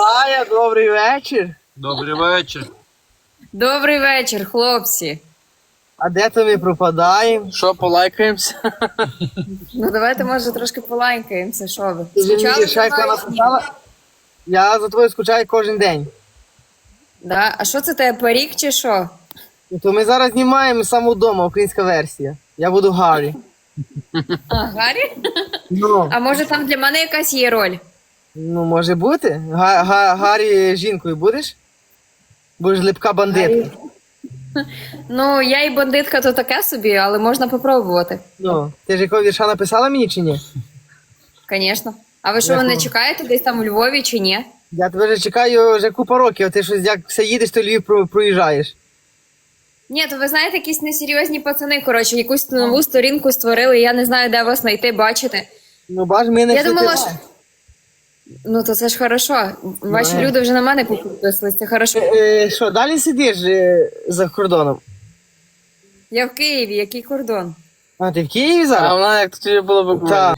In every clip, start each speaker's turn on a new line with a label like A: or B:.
A: Ая, добрий вечір.
B: Добрий вечір.
C: Добрий вечір, хлопці.
A: А де то ми пропадаємо? Що, полайкаємося?
C: Ну давайте, може, трошки полайкаємося, що ви?
A: Ти
C: Скучали
A: мені
C: за
A: шайка
C: мною?
A: написала? Я за тобою скучаю кожен день.
C: Да? А що це тебе, парік чи що?
A: Ну, то ми зараз знімаємо саме вдома, українська версія. Я буду Гаррі.
C: А, Гаррі?
A: Ну,
C: А може там для мене якась є роль?
A: ну може бути. Гаррі жінкою будеш? Будеш липка бандитка.
C: Ну, я і бандитка то таке собі, але можна попробувати.
A: Ну, ти ж якого вірша написала мені чи ні?
C: Звісно. А ви що, мене чекаєте десь там у Львові чи ні?
A: Я тебе вже чекаю вже купа років, а ти щось як все їдеш, то Львів проїжджаєш.
C: Ні, то ви знаєте, якісь несерйозні пацани, коротше, якусь нову сторінку створили, я не знаю, де вас знайти, бачите.
A: Ну, бач, ми не
C: Я
A: всі
C: думала,
A: ти-
C: що... Ну, то це ж хорошо. Ваші люди вже на мене підписались, це хорошо.
A: Що, далі сидиш за кордоном?
C: Я в Києві, який кордон?
A: А, ти в Києві зараз?
B: А вона як тоді була в
A: Так.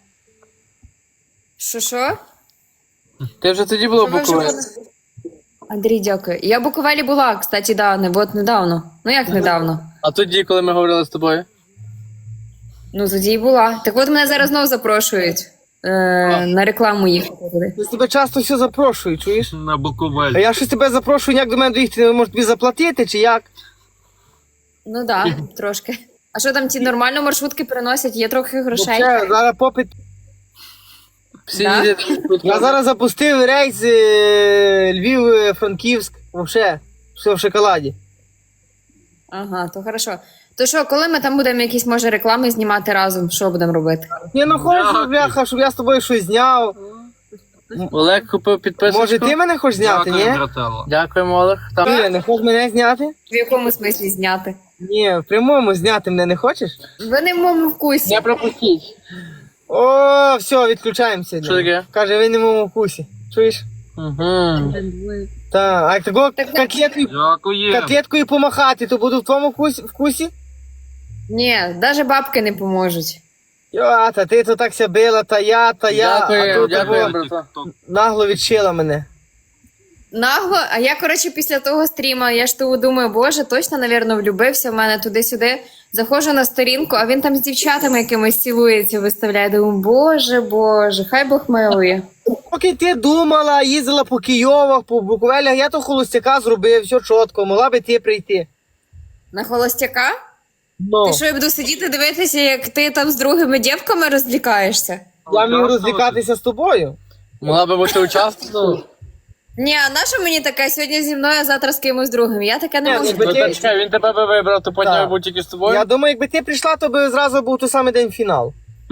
C: Що?
B: Ти вже тоді була в
C: Ви вже
B: Буковелі?
C: були? Андрій, дякую. Я в Буковелі була, кстати, недавно. Ну як недавно?
B: А тоді, коли ми говорили з тобою?
C: Ну тоді і була. Так от мене зараз знову запрошують на рекламу їхати туди.
A: Я тебе часто все запрошую, чуєш?
B: На
A: А
B: Буковелі.
A: я щось тебе запрошую, як до мене доїхати, може тобі заплатити, чи як?
C: Ну так, трошки. А що там ті нормально маршрутки приносять? Є трохи грошей?
A: Вообще, зараз попит.
B: Всі
C: Да?
B: їдять.
A: Я зараз запустив рейс Львів-Франківськ, вообще, все в шоколаді.
C: Ага, то хорошо. То що, коли ми там будемо якісь, може, реклами знімати разом, що будемо робити?
A: Я не хочу,
B: Дякую.
A: бляха, щоб я з тобою щось зняв.
B: Олег купив підписочку.
A: Може ти мене хочеш зняти, ні?
B: Дякуємо, Олег. Там...
A: Ні, не хочеш мене зняти?
C: В якому смислі зняти?
A: Ні, в прямому зняти мене не хочеш?
C: Ви не в моєму вкусі.
B: Не пропустіть.
A: О, все, відключаємося.
B: Що таке?
A: Каже, ви не в моєму вкусі. Чуєш?
B: Угу.
A: Так, а як такого
C: Так,
B: Дякую.
A: котлеткою помахати, то буду в твоєму вкусі?
C: Ні, навіть бабки не поможуть.
A: Йо, та ти то так ся била, та я, а
B: Дякую,
A: тут
B: дякую,
A: того
B: брата.
A: нагло відшила мене.
C: Нагло, а я, коротше, після того стріма, я ж того думаю, боже, точно, навірно, влюбився в мене туди-сюди. Заходжу на сторінку, а він там з дівчатами якимось цілується, виставляє. Думаю, боже, хай Бог милує.
A: Поки ти думала, їздила по Києвах, по Буковелях, я то холостяка зробив, все чітко, могла би ти прийти.
C: На холостяка?
A: Ну,
C: Ти що, я буду сидіти дивитися, як ти там з другими дівками розлікаєшся?
A: я міг розлікатися з тобою.
B: Могла би бути учасником.
C: Ні, а на що мені таке? Сьогодні зі мною, а завтра з кимось другим. Я таке не
A: Ні,
C: можу.
A: якби
B: Ну,
A: ти-
B: так, чекай, він тебе би вибрав, то потім
A: Так.
B: був тільки з тобою.
A: Я думаю, якби ти прийшла, то би зразу був той самий день фінал.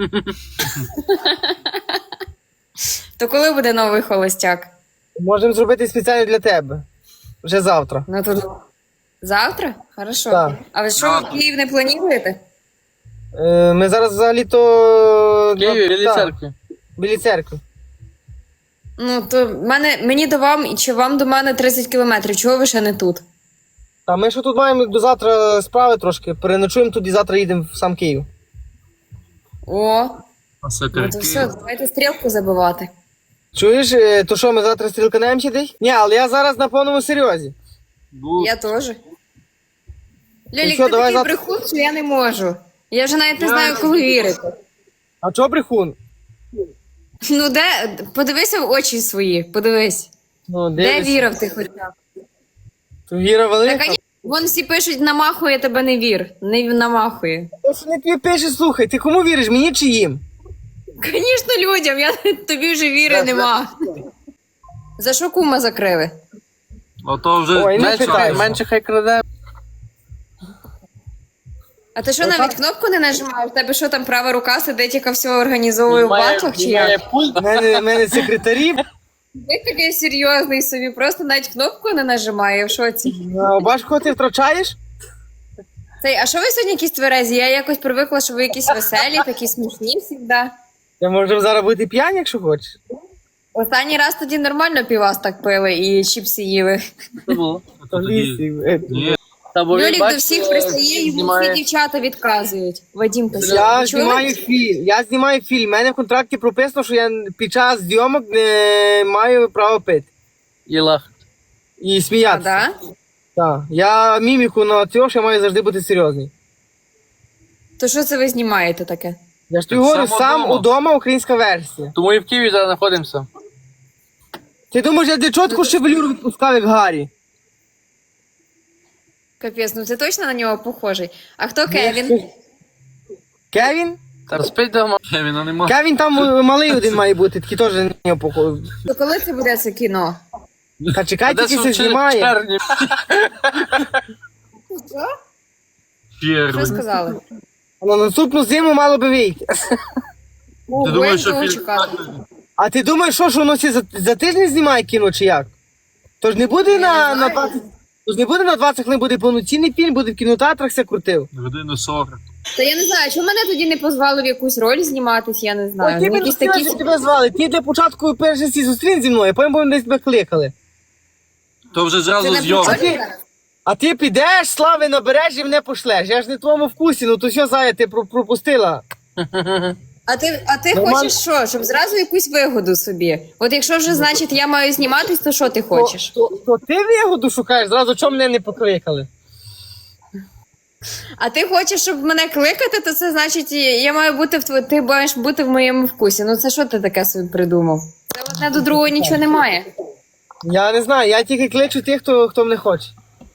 C: То коли буде новий холостяк?
A: Можемо зробити спеціально для тебе. Вже завтра.
C: Ну то завтра? Хорошо.
A: Так.
C: А ви що, в Київ не плануєте?
A: Ми зараз взагалі-то...
B: В Києві, біля
A: Так,
B: церкви.
A: Біля церкви.
C: Ну, то мені до вам, і чи вам до мене 30 кілометрів. Чого ви ще не тут?
A: Та ми що тут маємо до завтра справи трошки. Переночуємо тут і завтра їдемо в сам Київ.
C: О, ну то все, давайте стрілку забивати.
A: Чуєш, то що, ми завтра стрілканемося десь? Ні, але я зараз на повному серйозі.
C: Я теж. Льолік,
A: що,
C: ти
A: давай
C: такий
A: завтра-
C: брехун, що я не можу. Я вже навіть не знаю, коли вірити.
A: А чого брехун?
C: Ну де? Подивися в очі свої, подивись.
A: Ну,
C: Де
A: дивись.
C: вірив ти хоча б?
A: То Віра велика?
C: Так, вон всі пишуть, намахує тебе не вір. Не намахує.
A: То що не тобі пише, слухай, ти кому віриш, мені чи їм?
C: Звісно, людям, тобі вже віри нема. За що кума закрили?
B: Ото вже
A: Ой, не
B: менше,
A: питайся.
B: менше хай краде.
C: А ти що, навіть кнопку не нажимаєш? В тебе що там права рука сидить, яка все організовує в батлах, чи як?
A: У мене секретарі.
C: Ти такий серйозний собі, просто навіть кнопку не нажимає, я в шоці.
A: А бач, кого ти втрачаєш?
C: А що ви сьогодні якісь тверезі? Я якось привикла, що ви якісь веселі, такі смішні завжди.
A: Ми можемо зараз бути п'яні, якщо хочеш.
C: Останній раз тоді нормально півас так пили і чіпси їли.
B: Це було.
A: То в лісі.
B: Та бо він,
C: Льолік до
B: бачиш,
C: всіх пристає, йому всі
B: знімає.
C: дівчата відказують. Вадім, ти
A: Я
C: чули?
A: знімаю фільм. Я знімаю фільм. У мене в контракті прописано, що я під час зйомок не маю права пити.
B: І лах.
A: і
C: А,
A: сміятися.
C: да?
A: Так. Я міміку на цього, що маю завжди бути серйозний.
C: То що це ви знімаєте таке?
A: Я ж тобі
B: Так
A: говорю,
B: само
A: сам
B: дома.
A: удома українська версія.
B: Тому і в Києві зараз знаходимося.
A: Ти думаєш, я для чотку шевелюру відпускав, як Гаррі?
C: Капець, ну це точно на нього похожий. А хто Кевін?
A: Кевін?
B: Та спить дома. Кевіна нема.
A: Кевін там малий один має бути, такий теж на нього похожий.
C: То коли це буде це кіно?
A: Та чекай, тільки це
B: в
A: знімає.
B: червні.
C: Що? Що
B: Червень.
C: сказали?
A: А на наступну зиму мало би вийти.
C: О,
B: Ти думаєш, що
C: будемо
B: фільм...
C: чекати.
A: А ти думаєш, що воно всі за тиждень знімає кіно чи як? Тож не буде на
C: знаю.
A: 20... Тож не буде на 20 хвилин, буде повноцінний фільм, буде в кінотеатрах все крутив.
B: Годину 40.
C: Та я не знаю, чому мене тоді не позвали в якусь роль зніматись, я не знаю.
A: Ой, ти
C: Ну, якісь такі...
A: що тебе звали. Ти для початку перший всі зустрін зі мною, а потім будемо десь тебе кликали.
B: То вже
C: Це
B: зразу
C: не
B: зйомки.
C: прикольно?
A: А ти підеш, слави набереш і мене пошлеш. Я ж не в твоєму вкусі, ну то що, Зая, ти пропустила?
C: А ти
A: Нормально.
C: хочеш що? Щоб зразу якусь вигоду собі. От якщо вже, значить, я маю зніматись, то що ти хочеш?
A: То ти вигоду шукаєш, зразу чому мене не покликали?
C: А ти хочеш, щоб мене кликати, то це значить, я маю бути ти маєш бути в моєму вкусі. Ну це що ти таке собі придумав? Це одне до другого нічого немає.
A: Я не знаю, я тільки кличу тих, хто мене хоче.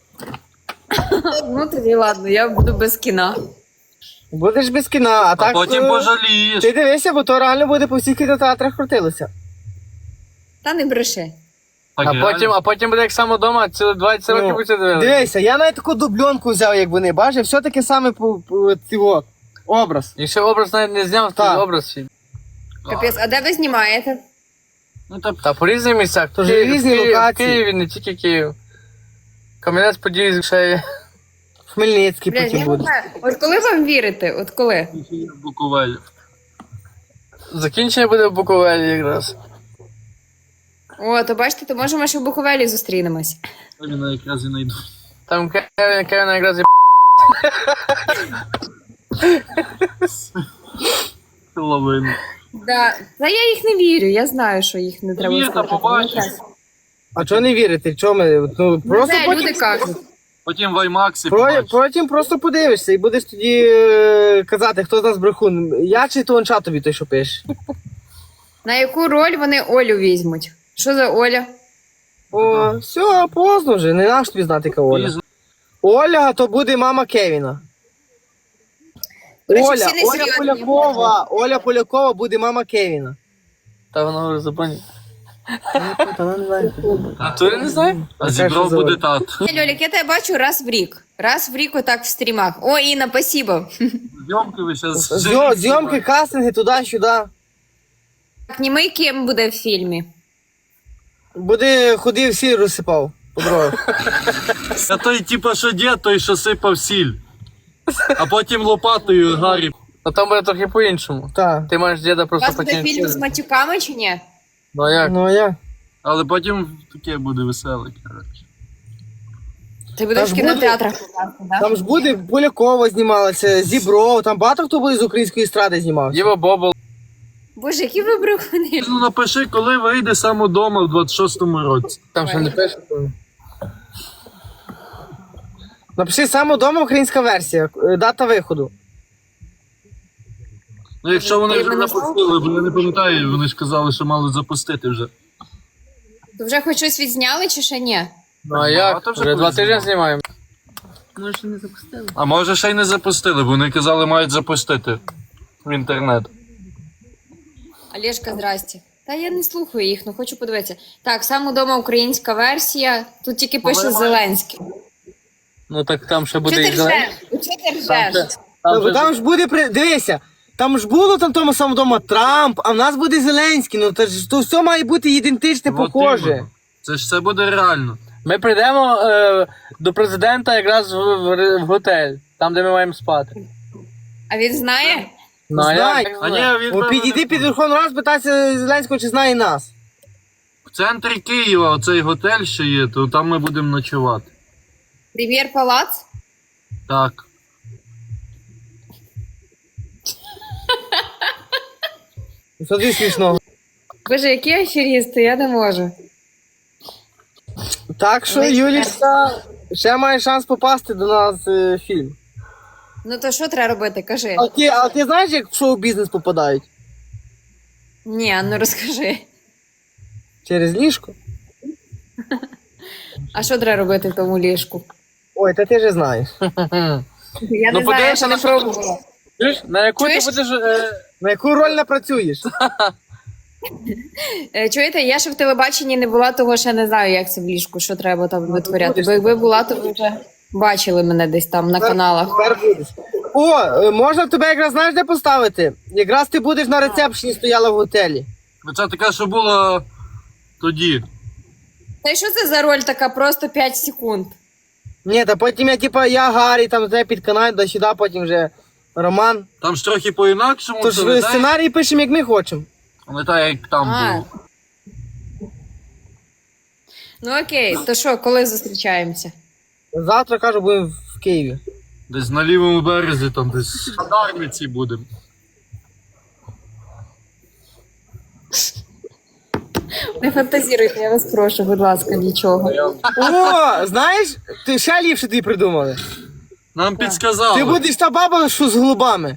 C: Ну тоді ладно, я буду без кіна.
A: Будеш без кіна, а
B: А
A: так...
B: потім
A: е,
B: пожалієш.
A: Ти дивися, бо то реально буде по всіх кінотеатрах крутилося.
C: Та не бреши.
B: Так, реально.
D: А потім буде як саме вдома, ціле 20 років будете дивитися.
A: Дивися, я навіть таку дубльонку взяв, як вони, бачиш, все таке саме по цього, образ.
D: Якщо образ навіть не зняв, то
A: Так.
D: образ свій.
C: Капець, а де ви знімаєте?
B: Ну, та
D: Та по різних місцях.
A: Тож
D: Київ-
A: різні
D: Київ-
A: локації.
D: В Києві, не тільки Київ. Кам'янець-Подільський ще є.
A: Хмельницький
C: Блядь,
A: потім
C: я не
A: буде.
C: знаю. От коли вам вірити? От коли?
B: Буковель.
D: Закінчення буде в Буковелі якраз.
C: О, то бачите, то може ми ще в Буковелі зустрінемось.
B: Кевіна якраз і знайду.
D: Там Кевін якраз і
B: Половину.
C: Да. Та я їх не вірю, я знаю, що їх не треба
B: Вір, та
C: слухати.
B: побачиш.
C: Ну, так.
A: А чого не вірити? Чого ми? Ну, просто
C: Це
A: потім,
C: люди кажуть.
B: Потім в Аймаксі
A: потім просто подивишся і будеш тоді казати, хто з нас брехун. Я чи то онча тобі той, що пише.
C: На яку роль вони Олю візьмуть? Що за Оля?
A: О, все, поздно вже, не наш тобі знати, яка Оля.
B: Пізно.
A: Оля, то буде мама Кевіна.
C: До речі,
A: Оля,
C: всі
A: Оля
C: несерйозні.
A: Полякова, Оля Полякова буде мама Кевіна.
D: Та воно вже забоні.
A: Та вона не знає.
D: А то я не знаю.
B: А зібрав буде тат.
C: Льолік, я тебе бачу раз в рік. Раз в рік отак в стрімах. О, Інна, спасибо.
B: Зйомки ви зараз...
A: Зйомки, кастинги, туди-сюди.
C: Так, німий ким буде в фільмі?
A: Буде ходив, всі розсипав по дорогах.
B: А той, типа, що дід, той, що сипав сіль. А потім лопатою Гаррі.
D: А там буде трохи по-іншому.
A: Так.
D: Ти маєш діда
C: У
D: просто
C: вас буде фільм з
D: покинути.
C: матюками чи ні?
D: Ну а як?
A: Ну а я.
B: Але потім таке буде веселе, коротше.
C: Ти будеш
A: ж
C: в кінотеатрах показати, так?
A: Там ж буде Полякова знімалася, Зібров, там багато хто буде з української естради знімався.
D: Діва Бобол.
C: Боже, які ви брехуни.
B: Ну напиши, коли вийде сам удома в 26-му році.
D: Там ще не пише.
A: Напиши саме вдома українська версія, дата виходу.
B: Ну якщо вони
C: Ти
B: вже
C: мене
B: запустили, бо я не пам'ятаю, вони ж казали, що мали запустити вже.
C: То вже хоч щось відзняли чи ще ні?
D: Ну а як?
B: то вже
D: Вже 2
B: колись
D: тижні знімаємо.
B: А може ще й не запустили, бо вони казали, мають запустити в інтернет.
C: Олешка, здрасте. Та я не слухаю їх, ну хочу подивитися. Так, сам удома українська версія. Тут тільки пише Зеленський.
D: Ну так там ще
C: Чого
D: буде
C: ти
D: і зелень.
C: ржеш? Чого ти ржеш?
A: Там ж буде, дивися, там ж було там тому самому вдома Трамп, а в нас буде Зеленський, ну то все має бути ідентичне,
B: От
A: похоже.
B: іменно. Це ж це буде реально.
D: Ми прийдемо до президента якраз в готель, там де ми маємо спати.
C: А він знає?
D: Ну а
A: Знаю.
D: як?
B: А ні, він
A: О, підійди під Верховну Раду, спитайся Зеленського, чи знає нас.
B: в центрі Києва оцей готель, що є, то там ми будемо ночувати.
C: Прем'єр палац?
B: Так.
A: Що ти смішного?
C: Боже, які аферісти, я не можу.
A: Так що,
C: Але-
A: Юлічка, ще має шанс попасти до нас в фільм.
C: Ну то що треба робити, кажи.
A: А ти знаєш, як в шоу-бізнес попадають?
C: Ні, ну розкажи.
A: Через ліжко?
C: А що треба робити в тому ліжку?
A: Ой, та ти же знаєш.
C: Я
D: Ну,
C: не знаю, я
D: подивися
C: ще не
D: на
C: пробувала.
D: Чуєш? На яку
C: Чуєш?
D: ти будеш...
A: На яку роль напрацюєш?
C: Чуєте, я ще в телебаченні не була, того ще не знаю, як це в ліжку, що треба там витворяти. Бо якби була, то ви вже бачили мене десь там на каналах.
A: Тепер будеш. О, можна тебе якраз знаєш де поставити? Якраз ти будеш на рецепшені стояла в готелі.
B: Ну це таке, що було тоді.
C: Та й що це за роль така, просто 5 секунд?
A: Ні, та потім я Гаррі, там тебе підканаю до сюди, потім вже Роман.
B: Там ж трохи по-інакшому.
A: Тож
B: це не так,
A: сценарій пишемо, як ми хочемо.
B: не так, як там
C: А.
B: було.
C: Ну окей, то що, коли зустрічаємося?
A: Завтра, кажу, будемо в Києві.
B: Десь на лівому березі, там десь в Дарниці будемо.
C: Не фантазіруйте, я вас прошу, будь ласка, нічого.
A: О, знаєш, ти ще ліпше тобі придумали.
B: Нам підсказали.
A: Ти будеш та баба, що з голубами.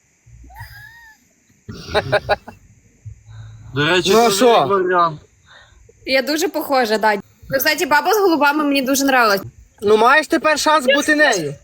B: До речі,
A: Ну, а
B: це
A: що?
B: як варіант.
C: Я дуже похожа, да. Ну, кстати, баба з голубами мені дуже нравилась.
A: Ну маєш тепер шанс бути нею.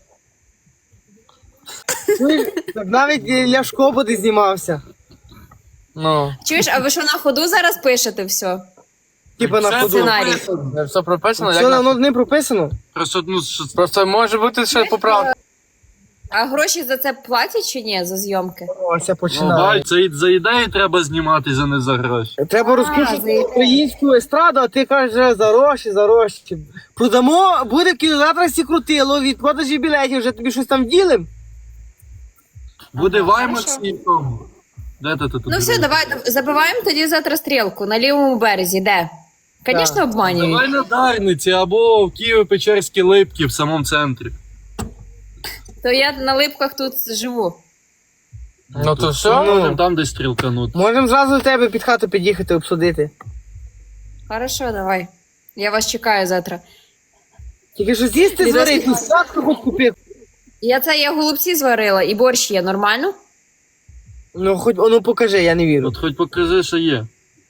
A: Так навіть Ляшко буде знімався.
D: Ну,
C: Чуєш, а ви що на ходу зараз пишете все?
A: Типа на
B: Це
A: ходу.
C: Сценарій.
D: все прописано,
A: Все
D: як
A: давно не прописано.
B: Просто, ну, що...
D: Просто може бути ще поправка.
C: А гроші за це платять чи ні, за зйомки?
A: Ось я
B: Ну,
A: починаю.
B: бай, це за ідеї треба знімати, за не за гроші.
A: Треба
C: за
A: розкручувати
C: ідею.
A: українську естраду, а ти кажеш за гроші, за гроші. Продамо, буде в кінотеатрах крутило, від продажі білетів, вже тобі щось там ділим.
B: Буде Ваймакс і в тому. Де ти тут?
C: Ну все, давай, забиваємо тоді завтра стрілку на лівому березі, де? Звісно, обманюють.
B: Давай на Дарниці або в Києво-Печерській Липці в самому центрі.
C: То я на липках тут живу.
D: Ну то все.
B: Можемо там десь стрілканути.
A: Можемо зразу до тебе під хату під'їхати, обсудити.
C: Хорошо, давай. Я вас чекаю завтра.
A: Тільки що з'їсти
C: Ти
A: зварити,
C: досі-
A: сладко хоч купи.
C: Я голубці зварила і борщ є, нормально?
A: Ну хоч, ну покажи, я не вірю.
B: От хоч покажи, що є.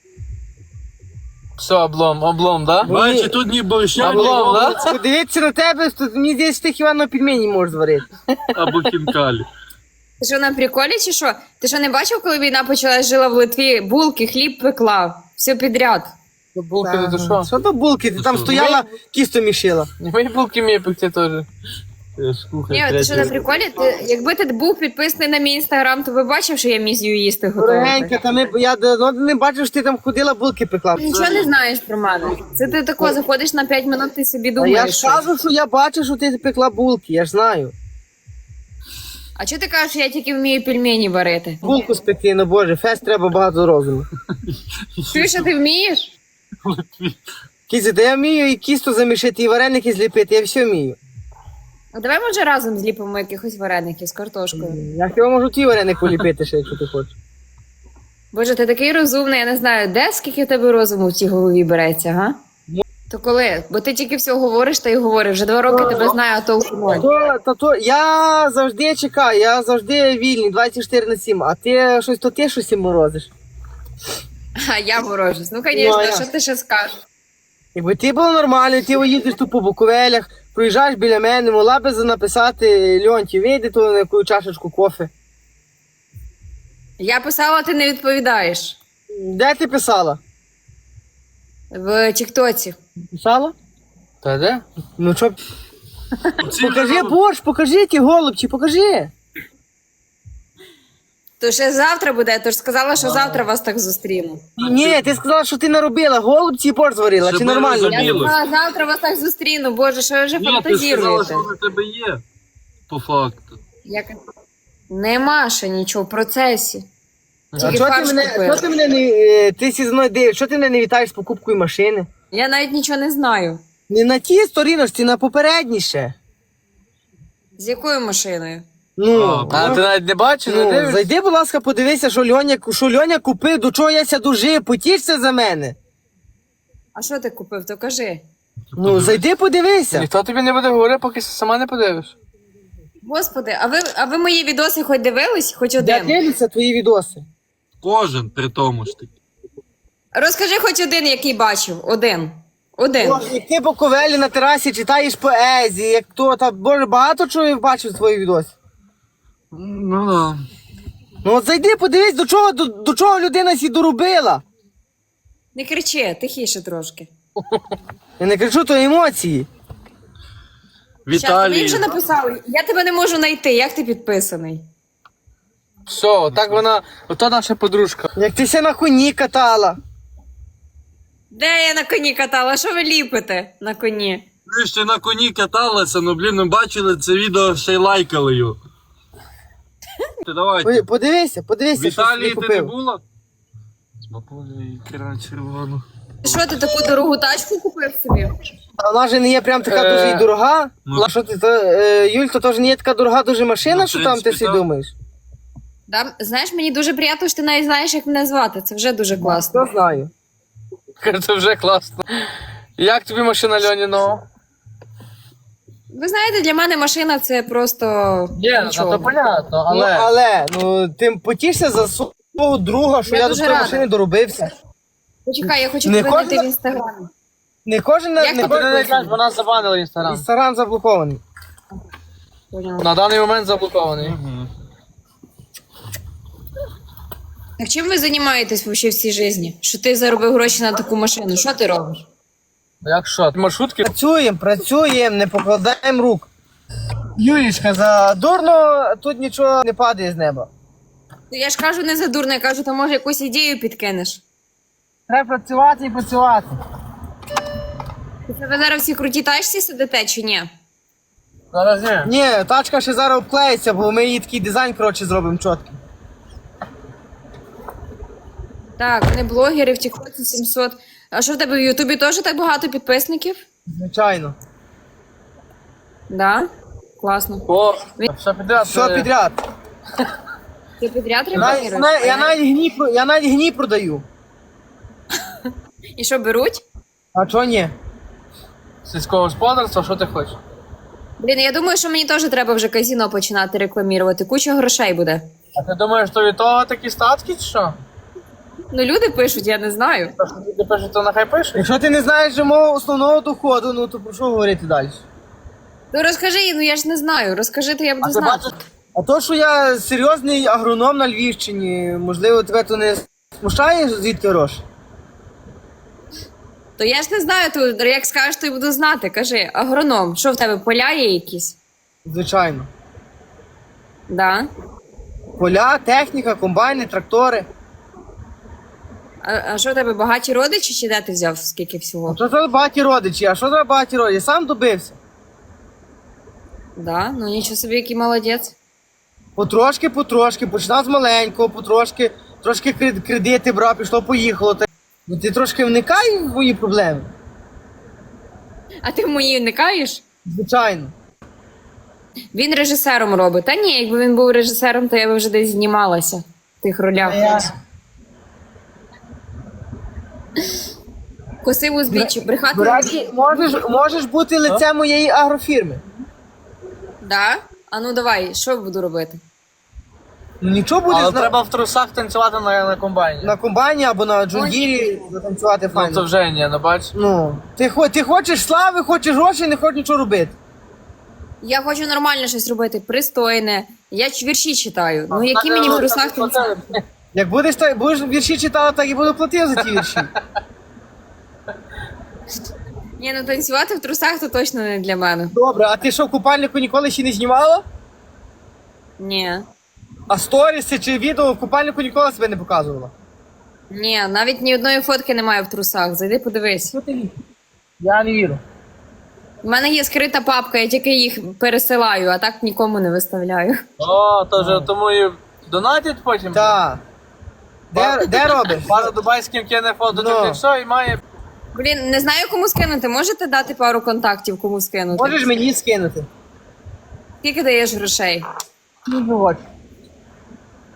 D: Все, облом, да?
B: Бачиш, тут ні борща, ні
D: Облом, да?
B: овочів,
A: Подивіться на тебе, то мені здається, ти хіба на пельмені можеш зварити.
B: або хінкалі.
C: Ти що на приколі чи що? Ти що не бачив, коли війна почалась, жила в Литві, булки, хліб пекла, все підряд.
D: Булки не то що?
A: Що то булки? Ти
B: Ну
A: там
B: що,
A: стояла, кісто мішила.
D: Мої булки вміє пекти теж.
C: Ні, ти що на приколі? Якби ти був підписаний на мій інстаграм, то би бачив, що я місію їсти
A: Дорогенька,
C: готувати.
A: та я давно не бачив, що ти там ходила, булки пекла.
C: Нічого не знаєш про мене. Це ти тако заходиш на 5 минут, ти собі
A: А я
C: думаєш.
A: ж
C: щось.
A: кажу, що я бачу, що ти пекла булки, я ж знаю.
C: А чого ти кажеш, що я тільки вмію пельмені варити?
A: Булку спекти, ну боже, фест треба багато розуму.
C: Чуєш, що ти вмієш?
A: Кізі, та я вмію і кісто замішити, і вареники зліпити, я все вмію.
C: А давай, може, разом зліпимо якихось вареників з картошкою.
A: Я хіба можу ті вареники поліпити ще, якщо ти хочеш.
C: Боже, ти такий розумний, я не знаю, де скільки в тебе розуму в цій голові береться, га? То коли? Бо ти тільки все говориш та й говориш. Вже 2 роки тебе знаю, а толку ноль.
A: Я завжди чекаю, я завжди вільний, 24/7, а ти щось морозиш.
C: А я морожусь. Ну,
A: Ну, а
C: звісно,
A: я?
C: що ти ще скажеш?
A: Якби ти було нормально, ти їдеш тут по Буковелях, проїжджаєш біля мене, могла би написати Льонті, вийди тут на яку чашечку кофе.
C: Я писала, ти не відповідаєш.
A: Де ти писала?
C: В Тіктоці.
A: Писала?
D: Та де?
A: Ну що, покажи борщ, покажи ті голубчі, покажи.
C: То ще завтра буде, то ж сказала, що завтра вас так зустріну.
A: Ні, ти сказала, що ти наробила, голубці і борщ зварила,
B: Щоб
A: чи
B: ми
A: нормально?
B: розуміли.
C: Я сказала, завтра вас так зустріну. Боже, що ви вже
B: Ні, ти сказала,
C: фантазіруєте?
B: що на тебе є. По факту.
C: Нема ще нічого в процесі.
A: А
C: Тільки
A: чого
C: фарш купила.
A: ти мене ти зі мною дивиш, що ти мене не вітаєш з покупкою машини?
C: Я навіть нічого не знаю.
A: Не на тій сторіночці, на попередніше.
C: З якою машиною?
A: Ну,
D: А ти навіть не бачиш, не
A: ну
D: дивишся?
A: зайди, будь ласка, подивися, що Льоня купив, до чого я ся дожив, потішся за мене.
C: А що ти купив, то кажи.
A: Ну, зайди подивися.
D: Ніхто тобі не буде говорити, поки сама не подивиш.
C: Господи, а ви мої відоси хоч дивились? Хоч
A: Де
C: один?
A: дивляться твої відоси?
B: Кожен при тому ж таки.
C: Розкажи хоч один, який бачив. Один. Один.
A: О, як ти по ковелі на терасі читаєш поезії, як то, та, боже, багато чого я бачив твої відоси.
B: Ну да.
A: Ну от зайди, подивись, до чого людина сі доробила.
C: Не кричи, тихіше трошки.
A: Я не кричу, то емоції.
C: Щас, ти мені
B: Віталій.
C: вже написали, я тебе не можу знайти, як ти підписаний?
D: Все, так вона, ото наша подружка.
A: Як ти ся на коні катала.
C: Де я на коні катала? Що ви ліпите на коні?
B: Ви ще на коні каталися, ну блін, ми бачили це відео, ще й лайкали його. Ти давайте.
A: Подивися,
B: В
A: що собі
B: Італії ти не
A: купив.
B: була? Бабуля ікра червону.
C: Що ти таку дорогу тачку купив собі?
A: А вона ж не є прям така дуже і дорога.
B: Ну.
A: А що ти, Юль, то теж не є така дорога дуже машина,
B: Ну, в
A: що там ти
B: принципі,
A: всі
B: так.
A: думаєш?
C: Да? Знаєш, мені дуже приємно, що ти навіть знаєш, як мене звати. Це вже дуже класно.
A: Я знаю.
D: Це вже класно. Як тобі машина Льонінова?
C: Ви знаєте, для мене машина це просто
D: Є,
C: нічого.
D: то понятно,
A: Ну, але, ти потішся за свого друга, що
C: Я
A: я до
C: дуже
A: твоєї
C: рада.
A: машини доробився.
C: Почекай, я хочу
A: Не
C: тебе знайти
A: кожна-
C: в інстаграмі.
A: Не кожен
C: Як
A: не
C: ти
D: Ти не
A: кожен
D: знаєш, вона забанила інстаграм.
A: Інстаграм заблокований.
C: Поняла.
D: На даний момент заблокований.
C: Так чим ви займаєтесь вообще в цій житті? Що ти заробив гроші на таку машину? Що ти робиш?
D: Як що? Маршрутки?
A: Працюємо, не покладаємо рук. Юлічка, за дурно тут нічого не падає з неба.
C: Ну, я ж кажу не за дурно, я кажу, то може якусь ідею підкинеш.
A: Треба працювати і працювати.
C: Ви зараз всі круті тачці сидите чи ні?
D: Зараз ні.
A: Ні, тачка ще зараз обклеїться, бо ми її такий дизайн, коротше, зробимо чіткий.
C: Так, вони блогери в Тіктоці 700. А що в тебе в Ютубі теж так багато підписників?
A: Звичайно.
C: Да? Класно.
D: О, все підряд.
A: Все підряд.
C: Ти підряд
A: Я
C: рекламуєш?
A: навіть гній продаю.
C: І що, беруть?
A: А чого ні?
D: Сільського господарства, що ти хочеш?
C: Блін, я думаю, що мені теж треба вже казино починати рекламувати. Куча грошей буде.
D: А ти думаєш, що від того такі статки, чи що?
C: Ну, люди пишуть, я не знаю.
D: То, що люди пишуть, то нехай пишуть.
A: Якщо ти не знаєш же мого основного доходу, ну то про що говорити далі?
C: Ну розкажи, ну я ж не знаю. Розкажи, то я буду
A: ти
C: знати.
A: бачиш? А то, що я серйозний агроном на Львівщині, можливо, тебе то не смущає, звідки гроші?
C: То я ж не знаю, то як скажеш, то й буду знати. Кажи, агроном, що в тебе поля є якісь?
A: Звичайно.
C: Да.
A: Поля, техніка, комбайни, трактори.
C: А що в тебе багаті родичі, чи де ти взяв скільки всього?
A: Що це багаті родичі? А що це багаті родичі? Я сам добився.
C: Да, ну нічого собі, який молодець.
A: Потрошки, починав з маленького, трошки кредити брав, пішло, поїхало. Ну ти трошки вникай в мої проблеми.
C: А ти в мої вникаєш?
A: Звичайно.
C: Він режисером робить. Та ні, якби він був режисером, то я би вже десь знімалася в тих ролях. Косив узбіччя, брехати.
A: До речі, можеш бути лицем моєї агрофірми.
C: Да? А ну давай, що буду робити?
A: Ну нічого будеш
D: Але треба в трусах танцювати на комбайні.
A: на комбайні або на джундірі затанцювати
D: Ну, це
A: файно.
D: вже ні, ну бач.
A: Ну, ти хочеш слави, хочеш грошей, не хочеш нічого робити.
C: Я хочу нормально щось робити, пристойне. Я вірші читаю. Ну які мені в трусах танцювати?
A: Як будеш вірші читати, так і буду платити за ті вірші.
C: Ні, ну танцювати в трусах то точно не для мене.
A: Добре, а ти що, в купальнику ніколи ще не знімала?
C: Ні.
A: А сторіси чи відео в купальнику ніколи себе не показувала?
C: Ні, навіть ні одної фотки немає в трусах. Зайди подивись.
A: Що ти віриш? Я не вірю.
C: У мене є скрита папка, я тільки їх пересилаю, а так нікому не виставляю.
D: О, то вже тому і донатять потім.
A: Так. Де робиш?
D: Пара дубайським кине фото,
A: Ну.
D: ти все, і має.
C: Блін, не знаю, кому скинути. Можете дати пару контактів, кому скинути?
A: Можеш мені скинути?
C: Скільки даєш грошей?
A: Ну,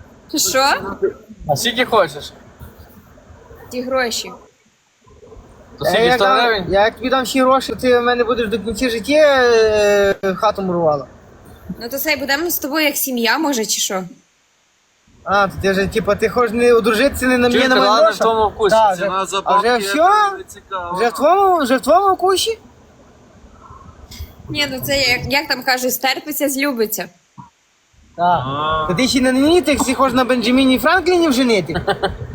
C: Що?
D: А скільки хочеш?
C: Ті гроші.
D: То скільки 100 гривень?
A: Я як тобі дам всі гроші, ти в мене будеш до кінця життя хату мурувала.
C: Ну то це будемо з тобою як сім'я, може, чи що?
A: А, то ти вже, типа, ти хочеш не одружитися, не на мені,
D: Чуєш,
A: на
D: ти
A: моїх
D: ладно в
A: грошах?
D: тому вкусі.
A: Так,
B: Ціна за
A: а вже
B: бабки,
A: все?
B: це не цікаво.
A: Вже в твоєму вкусі?
C: Ні, ну це як там кажуть, стерпиться, злюбиться.
A: Так.
B: А.
A: Та ти ще не на мені, ти всі хочеш на Бенджаміні Франкліні вженити?